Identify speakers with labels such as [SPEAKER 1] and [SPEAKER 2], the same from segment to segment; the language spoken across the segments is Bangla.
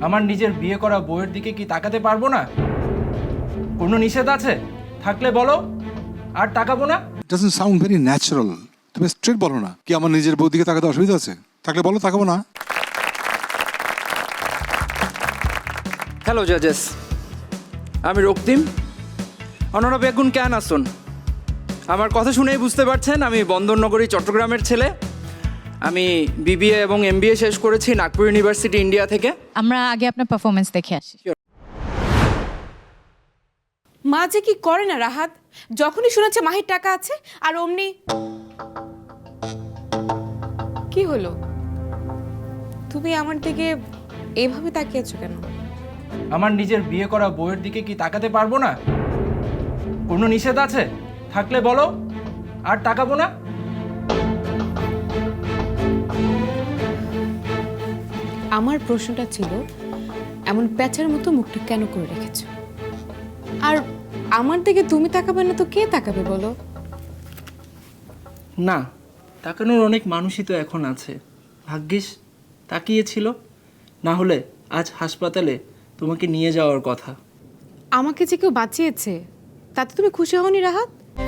[SPEAKER 1] আমার নিজের বিয়ে করা বউয়ের দিকে কি তাকাতে পারবো না? কোনো নিষেধ আছে? থাকলে বলো, আর তাকাবো না।
[SPEAKER 2] It doesn't sound very natural. তুমি স্ট্রেট বলো না কি আমার নিজের বউ দিকে তাকাতে অসুবিধা আছে? থাকলে বলো, তাকাবো না।
[SPEAKER 3] হ্যালো জাজেস, আমি রক্তিম। অনারা বেগুন কেন আসুন? আমার কথা শুনেই বুঝতে পারছেন আমি বন্দরনগরী চট্টগ্রামের ছেলে। আমি বিবিএ এবং এমবিএ শেষ করেছি নাগপুর ইউনিভার্সিটি ইন্ডিয়া থেকে।
[SPEAKER 4] আমরা আগে আপনার পারফরমেন্স দেখে আসি।
[SPEAKER 5] মা যে কি করে না রাহাত, যখনই শুনেছে মাহির টাকা আছে আর অমনি। কি হলো, তুমি আমার দিকে এভাবে তাকিয়েছো কেন?
[SPEAKER 1] আমার নিজের বিয়ে করা বউয়ের দিকে কি তাকাতে পারবো না? কোনো নিষেধ আছে? থাকলে বলো, আর তাকাবো না।
[SPEAKER 5] আমার প্রশ্নটা ছিল, এমন প্যাঁচার মতো মুখটা কেন করে রেখেছো? আর আমার দিকে তুমি তাকাবে না তো কে তাকাবে বলো?
[SPEAKER 1] না, তাকানোর অনেক মানুষই তো এখন আছে। ভাগ্যিস তাকিয়েছিল, না হলে আজ হাসপাতালে তোমাকে নিয়ে যাওয়ার কথা।
[SPEAKER 5] আমাকে যে কেউ বাঁচিয়েছে তাতে তুমি খুশি হওনি রাহাত?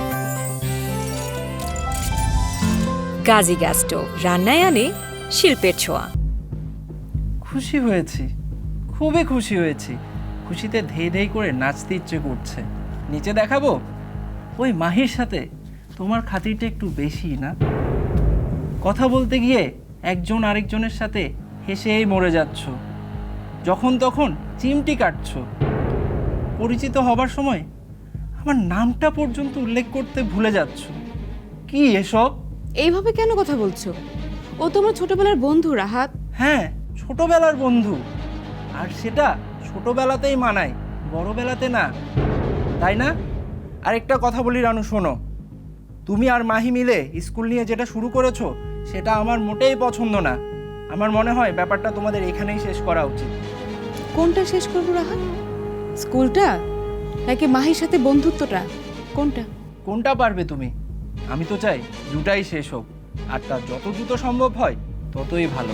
[SPEAKER 6] গাজী গ্যাস স্টোভ রান্নায় আনে শিল্পের ছোঁয়া।
[SPEAKER 1] খুশি হয়েছি, খুবই খুশি হয়েছি। খুশিতে ধেই ধেই করে নাচতে ইচ্ছে করছে। নিচে দেখাবো? ওই মাহির সাথে তোমার খাতিরটা একটু বেশি না? কথা বলতে গিয়ে একজন আরেকজনের সাথে হেসেই মরে যাচ্ছ, যখন তখন চিমটি কাটছ। পরিচিত হবার সময় আমার নামটা পর্যন্ত উল্লেখ করতে ভুলে যাচ্ছ। কি এসব?
[SPEAKER 5] এইভাবে কেন কথা বলছো? ও তোমার ছোটবেলার বন্ধু রাহাত।
[SPEAKER 1] হ্যাঁ, ছোটবেলার বন্ধু, আর সেটা ছোটবেলাতেই মানায়, বড়বেলাতে না, তাই না? আরেকটা কথা বলি রানু, শোনো। তুমি আর মাহি মিলে স্কুল নিয়ে যেটা শুরু করেছো সেটা আমার মোটেই পছন্দ না। আমার মনে হয় ব্যাপারটা তোমাদের এখানেই শেষ করা উচিত।
[SPEAKER 5] কোনটা শেষ করবো রাহাত? স্কুলটা নাকি মাহির সাথে বন্ধুত্বটা? কোনটা?
[SPEAKER 1] কোনটা পারবে তুমি? আমি তো চাই দুটাই শেষ হোক, আর তার যত দ্রুত সম্ভব হয় ততই ভালো।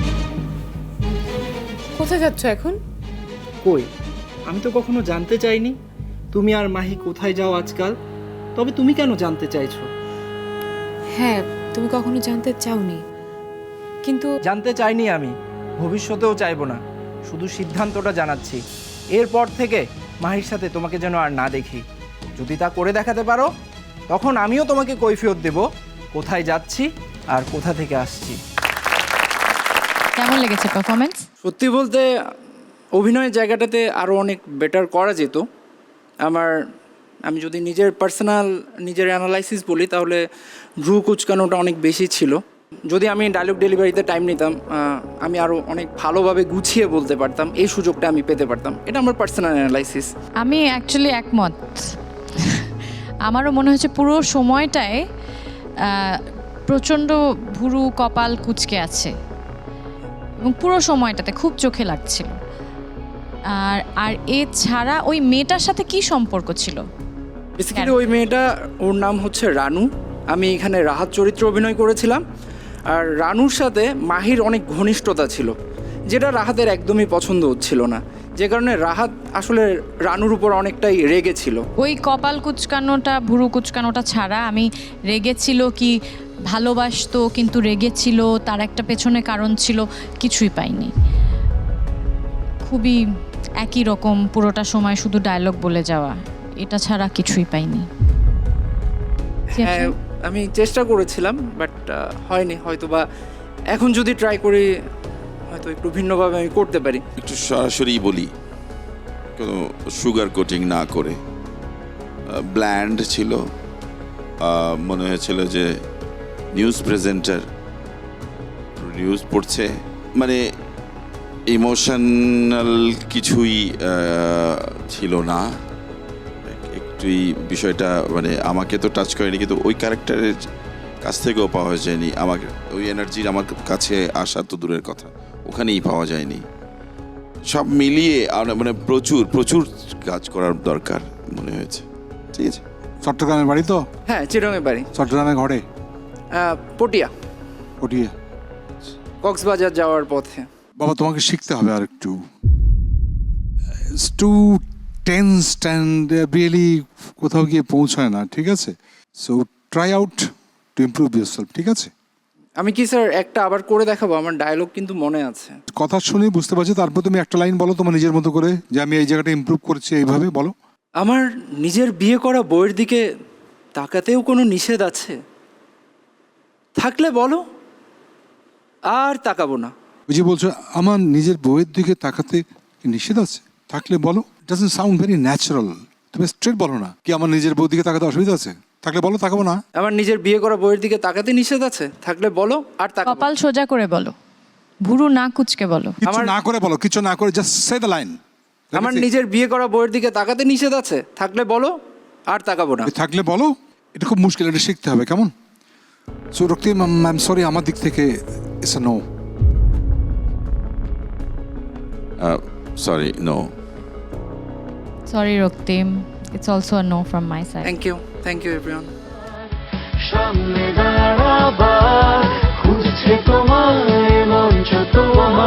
[SPEAKER 5] কোথায় যাচ্ছ এখন?
[SPEAKER 1] কই, আমি তো কখনো জানতে চাইনি তুমি আর মাহি কোথায় যাও আজকাল। তবে তুমি কেন জানতে চাইছো?
[SPEAKER 5] হ্যাঁ, তুমি কখনো জানতে চাওনি, কিন্তু
[SPEAKER 1] জানতে চাইনি আমি, ভবিষ্যতেও চাইবো না। শুধু সিদ্ধান্তটা জানাচ্ছি, এরপর থেকে মাহির সাথে তোমাকে যেন আর না দেখি। যদি তা করে দেখাতে পারো, তখন আমিও তোমাকে কৈফিয়ত দেব কোথায় যাচ্ছি আর কোথা থেকে আসছি।
[SPEAKER 4] কেমন লেগেছে পারফরমেন্স?
[SPEAKER 3] সত্যি বলতে অভিনয়ের জায়গাটাতে আরও অনেক বেটার করা যেত। আমি যদি নিজের অ্যানালাইসিস বলি, তাহলে ভ্রু কুচকানোটা অনেক বেশি ছিল। যদি আমি ডায়লগ ডেলিভারিতে টাইম নিতাম, আমি আরও অনেক ভালোভাবে গুছিয়ে বলতে পারতাম, এই সুযোগটা আমি পেতে পারতাম। এটা আমার পার্সোনাল অ্যানালাইসিস।
[SPEAKER 4] আমি অ্যাকচুয়ালি একমত। আমারও মনে হচ্ছে পুরো সময়টায় প্রচণ্ড ভুরু কপাল কুঁচকে আছে এবং পুরো সময়টাতে খুব চোখে লাগছিল। আর এছাড়া ওই মেয়েটার সাথে কি সম্পর্ক ছিল?
[SPEAKER 3] বেসিক্যালি ওই মেয়েটা, ওর নাম হচ্ছে রানু। আমি এখানে রাহাত চরিত্রে অভিনয় করেছিলাম। আর রানুর সাথে মাহির অনেক ঘনিষ্ঠতা ছিল, যেটা রাহাতের একদমই পছন্দ হচ্ছিল না, যে কারণে রাহাত আসলে রানুর উপর অনেকটাই রেগেছিল।
[SPEAKER 4] ওই কপাল কুচকানোটা, ভুরু কুচকানোটা ছাড়া আমি রেগেছিল কি ভালোবাসতো কিন্তু রেগেছিল, তার একটা পেছনে কারণ ছিল, কিছুই পাইনি। খুবই একই রকম পুরোটা সময় শুধু ডায়লগ বলে যাওয়া, এটা ছাড়া কিছুই পাইনি।
[SPEAKER 3] হ্যাঁ, আমি চেষ্টা করেছিলাম, বাট হয়নি। হয়তো বা এখন যদি ট্রাই করি, হয়তো একটু ভিন্নভাবে আমি করতে পারি।
[SPEAKER 7] একটু সরাসরি বলি, কোনো সুগার কোটিং না করে। ব্ল্যান্ড ছিল, মনে হয়েছিল যে নিউজ প্রেজেন্টার, নিউজ পড়ছে, মানে ইমোশনাল কিছুই ছিল না। একটুই বিষয়টা মানে আমাকে তো টাচ করেনি, কিন্তু ওই ক্যারেক্টারের কাছ থেকেও পাওয়া যায়নি। আমাকে ওই এনার্জির আমার কাছে আসা তো দূরের কথা, ওখানেই পাওয়া যায়নি। সব মিলিয়ে মানে প্রচুর প্রচুর কাজ করার দরকার মনে হয়েছে। ঠিক আছে।
[SPEAKER 2] চট্টগ্রামের বাড়ি তো?
[SPEAKER 3] হ্যাঁ, চিরঙের বাড়ি।
[SPEAKER 2] চট্টগ্রামে ঘরে?
[SPEAKER 3] পটিয়া,
[SPEAKER 2] পটিয়া।
[SPEAKER 3] কক্সবাজার যাওয়ার পথে।
[SPEAKER 2] বাবা, তোমাকে শিখতে হবে আর একটু। টু টেন্সড অ্যান্ড রিয়েলি কোথাও গিয়ে পৌঁছায় না, ঠিক আছে? So try out to improve yourself, ঠিক আছে?
[SPEAKER 3] আমি কি স্যার একটা আবার করে দেখাবো? আমার ডায়লগ কিন্তু মনে আছে।
[SPEAKER 2] কথা শুনে বুঝতে পারছি, তারপর তুমি একটা লাইন বলো তোমার নিজের মতো করে, যে আমি এই জায়গাটা ইমপ্রুভ করছি এইভাবে বলো।
[SPEAKER 3] আমার নিজের বিয়ে করা বউয়ের দিকে তাকাতেও কোনো নিষেধ আছে? থাকলে বলো, আর তাকাবো না।
[SPEAKER 2] ওই যে বলছো আমার নিজের বউয়ের দিকে তাকাতে কি নিষেধ আছে, থাকলে বলো, ডাজন্ট সাউন্ড ভেরি ন্যাচারাল। তুমি স্ট্রেট বলো না, কি আমার নিজের বউয়ের দিকে তাকাতে অসুবিধা আছে, থাকলে বলো, তাকাবো না।
[SPEAKER 3] আমার নিজের বিয়ে করা বউয়ের দিকে তাকাতে নিষেধ আছে? থাকলে বলো, আর তাকাবো না।
[SPEAKER 4] কপাল সোজা করে বলো, ভুরু না কুচকে বলো।
[SPEAKER 2] কিছু না করে বলো, কিছু না করে জাস্ট সে দ্য লাইন।
[SPEAKER 3] আমার নিজের বিয়ে করা বউয়ের দিকে তাকাতে নিষেধ আছে? থাকলে বলো, আর তাকাবো না।
[SPEAKER 2] থাকলে বলো, এটা খুব মুশকিল, এটা শিখতে হবে, কেমন? So Raktim, I am sorry, আমার দিক থেকে it's a no.
[SPEAKER 7] Sorry, no.
[SPEAKER 4] Sorry Raktim, it's also a no from my side.
[SPEAKER 3] Thank you everyone.
[SPEAKER 8] সামনে দাঁড়াবার খুঁজছে তোমায় মঞ্চ তোমার